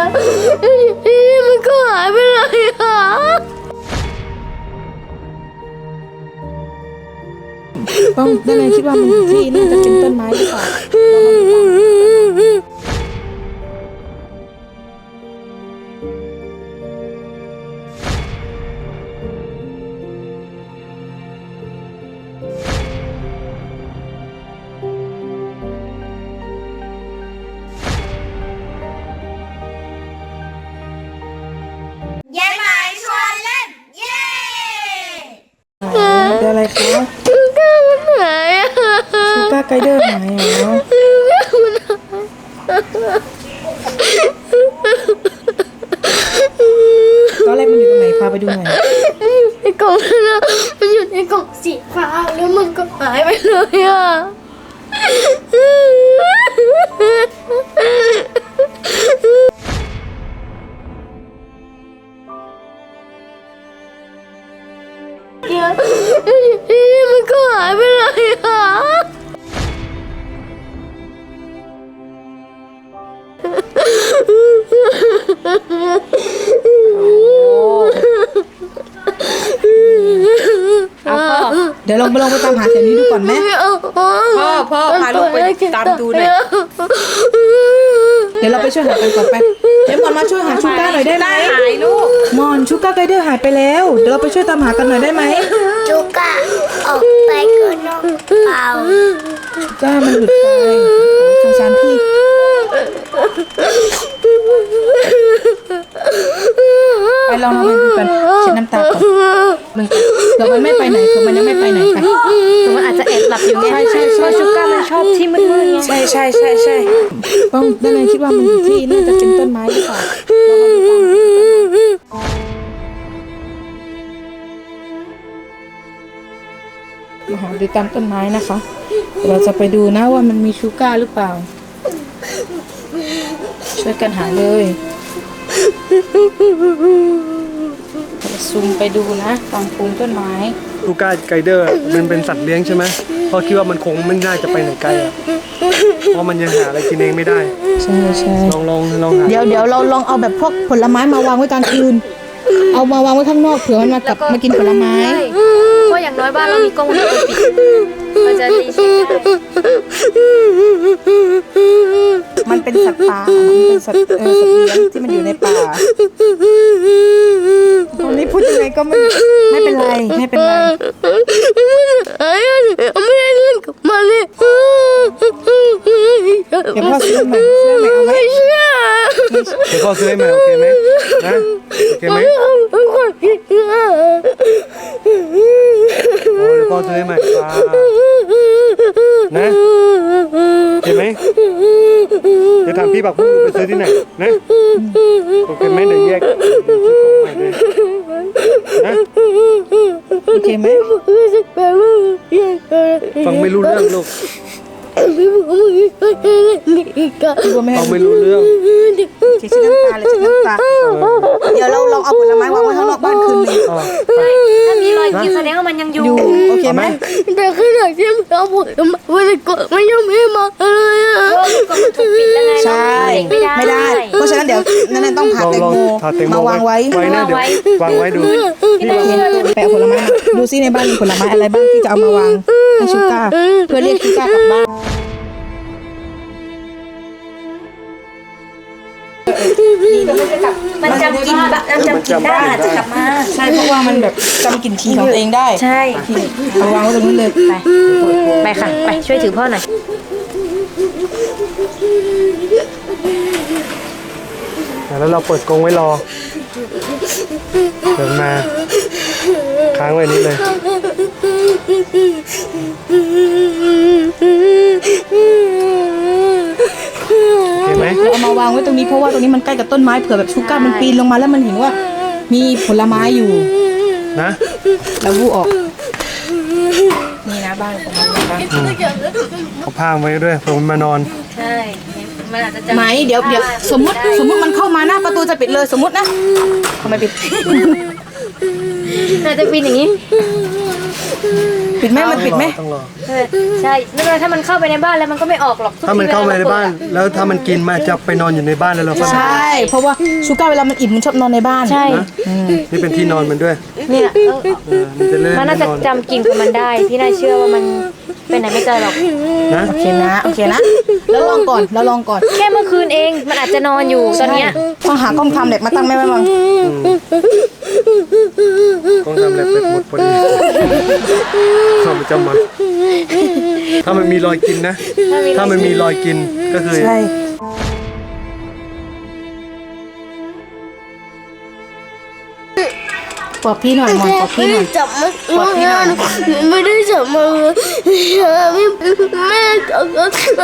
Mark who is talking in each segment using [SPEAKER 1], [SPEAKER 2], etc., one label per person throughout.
[SPEAKER 1] มันก็หายไปเลยอ่ะ
[SPEAKER 2] ต้องได้ไงคิดว่ามันที่น่าจะเป็นต้นไม้หรือเปล่า
[SPEAKER 3] ยายหมายชวนเล่นเย้
[SPEAKER 2] เดี๋ยวอะไรคะ
[SPEAKER 1] ชูก้ามันหายอ่ะ
[SPEAKER 2] ชูก้าไกเดอร์หายเหรอตอนแรกมันอยู่ตรงไหนพาไปดูหน่อย
[SPEAKER 1] ในกล่องนั้นนะมันอยู่ในกล่องสีฟ้าแล้วมันก็หายไปเลยอ่ะมันก็หายไปเลยอ่ะ
[SPEAKER 2] เดี๋ยวลองไปตามหาแถวนี้ดูก่อนไหมพ่อพาลูกไปตามดูหน่อยเดี๋ยวเราไปช่วยหากันก่อนไปเดี๋ยวมอนมาช่วยหาชูก้าหน่อยได้ไหมหายลูกมอนชูก้าไกเดอร์หายไปแล้วเดี๋ยวเราไปช่วยตามหากันหน่อยได้ไหม
[SPEAKER 3] จูกะออกไปก็นอกเปล่า
[SPEAKER 2] ชูก้ามันหลุดไปสงสารพี่ไปลองไปดูกันเช็ดน้ำตาก่อนเดี๋ยวมันไม่ไปไหนคือมันยังไม่ไปไหนค่ะ
[SPEAKER 1] มันอาจจะแอบหลับอยู่ไง
[SPEAKER 2] ใช่
[SPEAKER 1] เพราะชูก้ามันชอบที่มืดๆไง
[SPEAKER 2] ใช่ต้องได้ไงคิดว่ามันที่น่าจะเป็นต้นไม้หรือเปล่ามาหาดูตามต้นไม้นะคะ เราจะไปดูนะว่ามันมีชูก้าหรือเปล่า ช่วยกันหาเลยซูมไปดูนะตามภูมิต้นไม้
[SPEAKER 4] ชูก้าไกเดอร์มันเป็นสัตว์เลี้ยงใช่ไหมเพราะคิดว่ามันคงไม่น่าจะไปไหนไกลอ่ะเพราะมันยังหาอะไรกินเองไม่ได้
[SPEAKER 2] ใช่
[SPEAKER 4] ลองหา
[SPEAKER 2] เดี๋ยวเราลองเอาแบบพวกผลไม้มาวางไว้กลางคืน เอามาวางไว้ข้างนอกเผื่อมันมากินผลไม้
[SPEAKER 1] เพราะอย่างน้อยบ้านเรามีกล้องวงจรปิดมันจะดีเช็คได้
[SPEAKER 2] มันเป็นสัตว์ป่ามันเป็นสัตว์เลี้ยงที่มันอยู่ในป่าตอนนี้พูดยังไงก็ไม่เป็นไร
[SPEAKER 1] ไม่ได้เล่นกับมันเลย
[SPEAKER 2] เดี๋ยวพ่อซื้อใหม่เอาไหม
[SPEAKER 4] เดี๋ยวพ่อซื้อให้ใหม่โอเคไหมนะโอเคไหมโอ้เดี๋ยวพ่อซื้อให้ใหม่นะโอเคไหมเดี๋ยวถามพี่บักพุ่งไปซื้อที่ไหนนะโอเคไหมเดี๋ยวแยกซื้อกล่องใหม่เลยนะ
[SPEAKER 2] โอเคไหม
[SPEAKER 4] ฟังไม่รู้เรื่องลูก
[SPEAKER 2] ตัวแม่
[SPEAKER 4] ฟังไม่รู้เรื่อง
[SPEAKER 2] เช็ดน้ำตาเลยเช็ดน้ำตาเดี๋ยวเราลองเอาผลไม้วางไว้ข้างนอกบ้านคืนนึง
[SPEAKER 1] ถ้ามีรอยยิ้มแสดงว่ามันยังอยู่
[SPEAKER 2] โอเคไหม
[SPEAKER 1] แต่ขณะที่เราพูดมันก็ไม่ยังไม่มาเลยอ่ะก็มันถูกปิดแล้วไง
[SPEAKER 2] ใช่ไม่ได้ เพราะฉะนั้นเดี๋ยวนั่นต้องผ่าแตงโมมาวางไว้
[SPEAKER 4] นะเดี๋ยววางไว้ดู
[SPEAKER 2] ไปเอาผลไม้มาดูซิในบ้านมีผลไม้อะไรบ้างที่จะเอามาวางให้ชูก้าเพื่อเรียกชูก้ากลับบ้าน
[SPEAKER 1] มันจำกินได้จะกลับมา
[SPEAKER 2] ใช่เพราะว่ามันแบบจำกลิ่นทีของตัวเองได้
[SPEAKER 1] ใช่
[SPEAKER 2] เอาวางไว้ตรงนู้นเลย
[SPEAKER 1] ไปค่ะไปช่วยถือพ่อหน่อย
[SPEAKER 4] แล้วเราเปิดกรงไว้รอเดินมาค้างไว้นี้เลยเห็นไหม
[SPEAKER 2] เราเอามาวางไว้ตรงนี้เพราะว่าตรงนี้มันใกล้กับต้นไม้เผื่อแบบชูก้ามันปีนลงมาแล้วมันเห็นว่ามีผลไม้อยู่
[SPEAKER 4] นะ
[SPEAKER 2] แล้ววูออกนี่นะบ้านของมันนะคะ
[SPEAKER 4] เอาผ้าไว้ด้วยเผื่อมันมานอน
[SPEAKER 1] ใช่มันอาจจะจำ
[SPEAKER 2] ไหมเดี๋ยวสมมติมันเข้ามาหน้าประตูจะปิดเลยสมมตินะทำไมปิด
[SPEAKER 1] อาจจะปีนอย่างนี้
[SPEAKER 2] ปิดไหมมันปิดไหม
[SPEAKER 4] ต้องรอ
[SPEAKER 1] ใช่ไม่เป็นไรถ้ามันเข้าไปในบ้านแล้วมันก็ไม่ออกหรอก
[SPEAKER 4] ถ้ามันเข้ามาในบ้าน แล้วถ้ามันกินมันจะไปนอนอยู่ในบ้านแล้วเราก็
[SPEAKER 2] ใช่ เพราะว่าชูก้าเวลามันอิ่มมันชอบนอนในบ้าน
[SPEAKER 1] ใช่
[SPEAKER 4] นะนี่เป็นที่นอนมันด้วย
[SPEAKER 1] เนี่ย
[SPEAKER 4] มันจะเล่น
[SPEAKER 1] มันน่าจะ
[SPEAKER 4] นอน
[SPEAKER 1] จำกลิ่นของมันได้พี่น่าเชื่อว่ามันไปไหนไม่ไกลหรอก
[SPEAKER 4] นะ
[SPEAKER 2] โอเคนะโอเคนะแล้วลองก่อนแล้วลองก่อน
[SPEAKER 1] แค่เมื่อคืนเองมันอาจจะนอนอยู่ตอนเนี้ย
[SPEAKER 2] ต้องหากล้องทำเด็กมาตั้งแม่ไว้บ้าง
[SPEAKER 4] ต้องทำอะไรเป็ดหมดพอดีเข้าประจำวันถ้ามันมีรอยกินนะ ถ้ามันมีรอยกินก็คือ
[SPEAKER 2] ใช่ปอบพี่หน่อยมอนปอบพี่หน่อย
[SPEAKER 3] จับมัน
[SPEAKER 2] ปอบพี่หน่อย
[SPEAKER 3] ไม่ได้จับมันเลยแม่จับมัน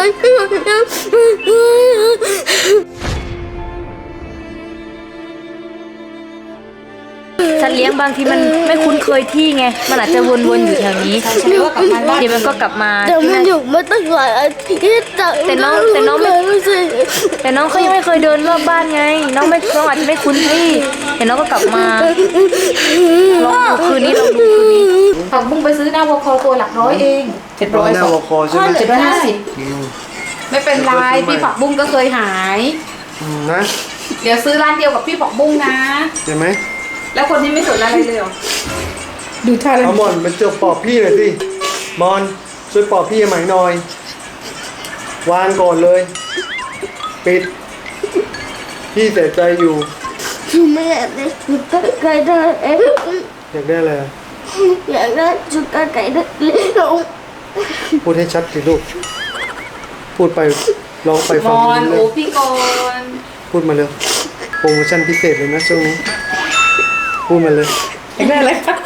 [SPEAKER 1] สัตว์เลี้ยงบางทีมันไม่คุ้นเคยที่ไงมันอาจจะวนๆอยู่แถวนี้
[SPEAKER 2] แล้วก็กลับมาบ้าน
[SPEAKER 1] เดี๋ยวมันก็กลับมา
[SPEAKER 3] แต่มันอยู่มาตั้งหลายอาทิตย์แต่น้องไม่ใช่
[SPEAKER 1] แต่น้องเขายังไม่เคยเดินรอบบ้านไง น้องอาจจะไม่คุ้นที่เดี๋ยวน้องก็กลับมาลองดูคืนนี้ลองดูคืนนี้
[SPEAKER 2] ผักบุ้งไปซื้อหน้าวอคอตัวหลักร้อยเอง700
[SPEAKER 4] หน้าวอคอใช่ไหม
[SPEAKER 2] 750ไม่เป็นไร
[SPEAKER 4] พี่ผักบุ้งก็เคยหาย นะ
[SPEAKER 2] เดี๋ยวซื้อร้านเดียวกับพี่ผักบุ้งนะ
[SPEAKER 4] เห็นไหม
[SPEAKER 2] แล้วคนนี้ไม่สนอะไรเลยหรอดูท่าเลย
[SPEAKER 4] เอาหมอนมันจะปอบพี่หน่อยสิมอนช่วยปอบพี่ใหม่หน่อย วางก่อนเลย ปิด พี่เสียใจอยู่
[SPEAKER 3] ไม่อยากได้ชุดไก่ได้เอง
[SPEAKER 4] อยากได้อะไร
[SPEAKER 3] อยากได้ชุดไก่ได้เล็กลง
[SPEAKER 4] พูดให้ชัดสิลูก พูดไปลองไป
[SPEAKER 2] ม
[SPEAKER 4] ฟัง
[SPEAKER 2] อน
[SPEAKER 4] ดู
[SPEAKER 2] โอ้
[SPEAKER 4] เลย
[SPEAKER 2] พี่กอน
[SPEAKER 4] พูดมาเร็วโปรโมชั่นพิเศษเลยนะช่วงนี้พูดมาเลย
[SPEAKER 2] อยากได้อะไรคะ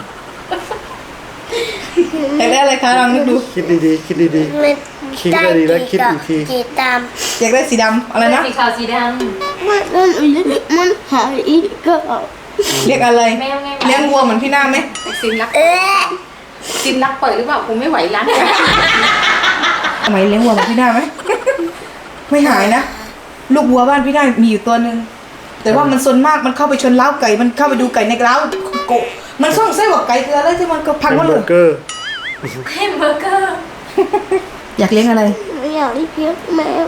[SPEAKER 2] อยากได้อะไรคะลองนึกดู
[SPEAKER 4] คิดดีๆ คิดดี
[SPEAKER 3] มัน
[SPEAKER 4] คิดให้ดีแล้วคิดอีกที
[SPEAKER 3] กี่ตาม
[SPEAKER 2] อยากได้สีดำอะไรนะ
[SPEAKER 1] สีขาวสีด
[SPEAKER 3] มันหายอีกก็
[SPEAKER 2] เรียกอะไร
[SPEAKER 1] ำแมวไง
[SPEAKER 2] เลี้ยงวัวเหมือนพี่หน้าไหม
[SPEAKER 5] ซินรัก
[SPEAKER 3] เอ๊ะ
[SPEAKER 5] ซินรักเปิดหรือเปล่าคงไม่ไหวร้าน
[SPEAKER 2] ทำไมเลี้ยงวัวเหมือนพี่หน้าไหม ไม่หายนะ ลูกวัวบ้านพี่หน้ามีอยู่ตัวหนึ่งแต่ว่ามันซนมากมันเข้าไปชนเล้าไก่มันเข้าไปดูไก่ในเล้าโกะมันส่องไส้หัวไก่คืออะไรที่มันก็พัง
[SPEAKER 4] แฮ
[SPEAKER 2] หม
[SPEAKER 4] ม
[SPEAKER 2] ด
[SPEAKER 4] เบ
[SPEAKER 2] เล
[SPEAKER 4] อย ร์เกอร์
[SPEAKER 1] แฮมเบอร์เกอร์
[SPEAKER 2] อยากเลี้ยงอะไร
[SPEAKER 3] ไม่อยากเลี้ยงแมว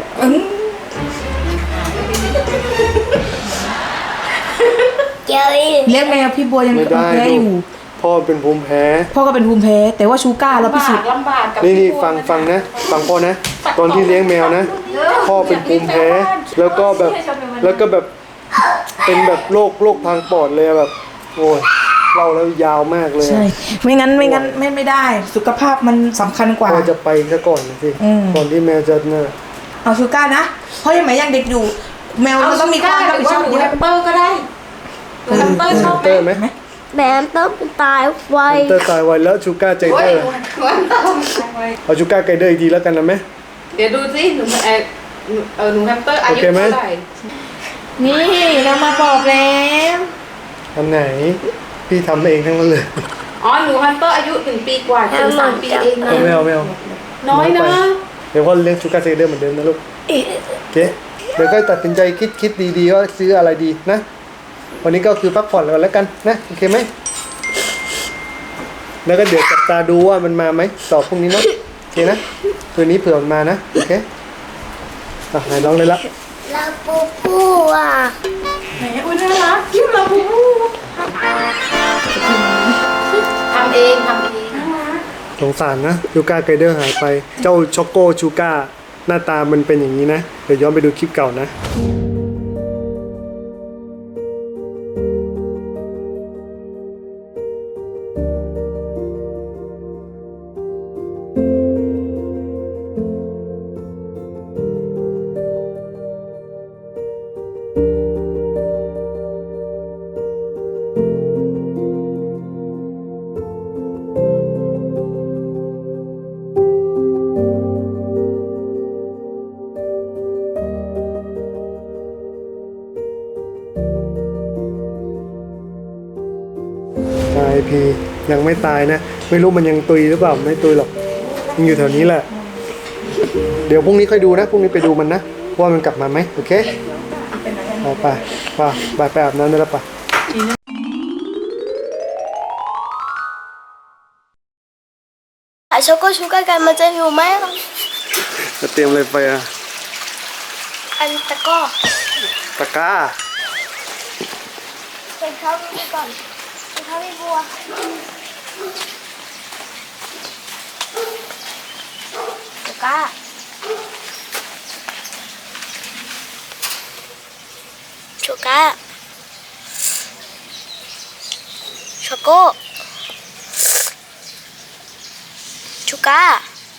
[SPEAKER 3] เจ้าอีก
[SPEAKER 2] เลี้ยงแมวพี่บัวยัง
[SPEAKER 4] ไม่ได้
[SPEAKER 2] แพ้อยู่
[SPEAKER 4] พ่อเป็นภูมิแพ้
[SPEAKER 2] พ่อก็เป็นภูมิแพ้แต่ว่าชูก้าเราพิสูจน์
[SPEAKER 5] ลำบากกับ
[SPEAKER 4] นี่ฟังนะฟังพ่อนะ ตอนที่เลี้ยงแมวนะ พ่อเป็นภูมิแพ้ แล้วก็แบบเป็นแบบโรคทางปอดเลยอะแบบ โอ้ยเล่าแล้วยาวมากเลยอะ
[SPEAKER 2] ใช่ไม่งั้นไม่ได้ สุขภาพมันสำคัญกว่า
[SPEAKER 4] พ่อจะไปซะก่อนนะสิ
[SPEAKER 2] อืม
[SPEAKER 4] ก่อนที่แมวจะเนี่ย
[SPEAKER 2] เอาชูก้านะเพราะยังไม่ยังเด็กอยู่ แมวมันต้องมีความรับผิดชอบ
[SPEAKER 5] หนู
[SPEAKER 2] เย
[SPEAKER 5] แฮ
[SPEAKER 2] อะ
[SPEAKER 5] มเปอร์ก็ได้หนูแฮมเปอร์ชอบ
[SPEAKER 4] เตอร์ไหม
[SPEAKER 3] แมวต้องตายไว
[SPEAKER 4] เตอร์ตายไวแล้วชูก้าใจ
[SPEAKER 5] โอ้
[SPEAKER 4] เต
[SPEAKER 5] ย
[SPEAKER 4] อร์
[SPEAKER 5] หนูแฮมเปอร์
[SPEAKER 4] เอาชูก้าไกเดอร์อีกทีแล้วกันนะไหม
[SPEAKER 5] เดี๋ยวดูสิหนูหนูแฮมเปอร์อายุ
[SPEAKER 4] โอเคไหม
[SPEAKER 5] เท่าไหร่
[SPEAKER 2] นี่เรามาบอกแล้ว
[SPEAKER 4] อันไหน พี่ทำเองทั้งนั้นเลย
[SPEAKER 5] อ๋อหนูแฮมเปอร์อายุ1 ปีกว่าถึง3 ปีเองนะ
[SPEAKER 4] ไม่เอา
[SPEAKER 5] น้อยนะ
[SPEAKER 4] เดี๋ยวพ่อเลี้ยงชูก้าไกเดอร์เหมือนเดิมนะลูกโอเคเดี๋ยวก็ตัดสินใจคิดดีๆว่าซื้ออะไรดีนะ วันนี้ก็คือพักผ่อนแล้วกันนะโอเคไหมแล้วก็เดี๋ยวจับตาดูว่ามันมาไหมต่อพรุ่งนี้เนาะโอเคนะคืนนี้เผื่อมันมานะโอเคไหนลองเลยละ
[SPEAKER 3] ลาปูปูอ่ะ
[SPEAKER 5] ไหนอุ้ยน่ารักคิ้วเราบูบูทำเอง
[SPEAKER 4] สงสารนะชูก้าไกเดอร์หายไปเจ้าช็อกโกชูก้าหน้าตามันเป็นอย่างนี้นะเดี๋ยวย้อนไปดูคลิปเก่านะตายพียังไม่ตายนะ ไม่รู้มันยังตุยหรือเปล่าไม่ตุยหรอกยังอยู่แถวนี้แหละ เดี๋ยวพรุ่งนี้ค่อยดูนะพรุ่งนี้ไปดูมันนะว่ามันกลับมาไหมโอเคไปอาบน้ำได้แล้วปะ
[SPEAKER 3] ช็อกโกชูการ์กันมันจะอยู่ไหม
[SPEAKER 4] จะเตรียมอะไรไปอะ
[SPEAKER 3] อันตะก้อ
[SPEAKER 4] ตะกร้า
[SPEAKER 3] เป็นข้าวนี่ก่อนเป็นข้าวพี่บัวตะก้าชูก้าช็อกโกชูก้า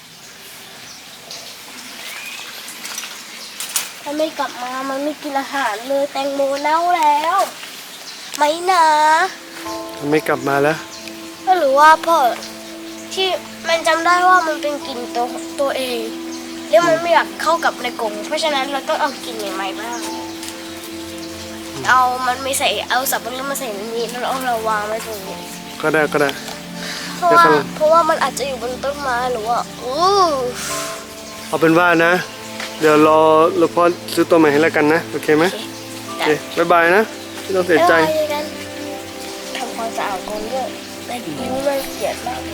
[SPEAKER 3] ถ้าไม่กลับมามันไม่กินอาหารเลยแตงโมเน่าแล้วไม่นะ
[SPEAKER 4] ไม่กลับมาแล้ว
[SPEAKER 3] ก็หรือว่าพ่อที่มันจำได้ว่ามันเป็นกลิ่นตัวเองแล้วมันไม่อยากเข้ากับในกรงเพราะฉะนั้นเราต้องเอากลิ่นใหม่ๆบ้างเอาสับปะรดมาใส่ในนี้แล้วเอาเราวางไว้ตรงนี้
[SPEAKER 4] ก็ได้ก็ได้
[SPEAKER 3] เพราะว่ามันอาจจะอยู่บนต้นไม้หรือว่า
[SPEAKER 4] เอาเป็นว่านะ เดี๋ยวรอพ่อซื้อตัวใหม่ให้แล้วกันนะ โอเคไหมโอเคบ๊ายบายนะไม่ต้องเสียใจ
[SPEAKER 3] ทำความสะอาดกรงด้วยแต่นิ้วมันเกลียดมาก